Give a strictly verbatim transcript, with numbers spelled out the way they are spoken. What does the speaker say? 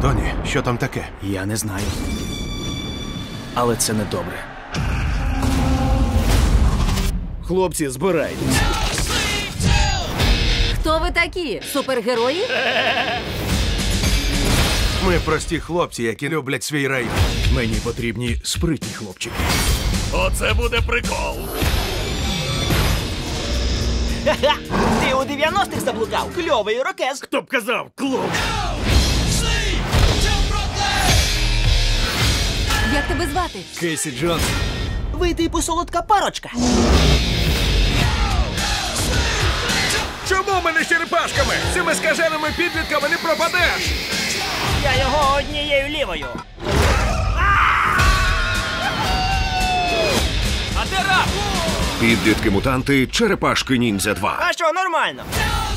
Тоні, що там таке? Я не знаю. Але це не добре. Хлопці, збирайтесь. Хто ви такі? Супергерої? Ми прості хлопці, які люблять свій рай. Мені потрібні спритні хлопчики. Оце буде прикол. Ха-ха! Ти у дев'яностих заблукав? Кльовий ірокез. Хто б казав, клоун? Як тебе звати? Кейсі Джонс. Ви типу солодка парочка. Чому ми не з черепашками? З цими скаженими підлітками не пропадеш! Я його однією лівою. А де раб? Підлітки-мутанти Черепашки Ніндзя два. А що, нормально?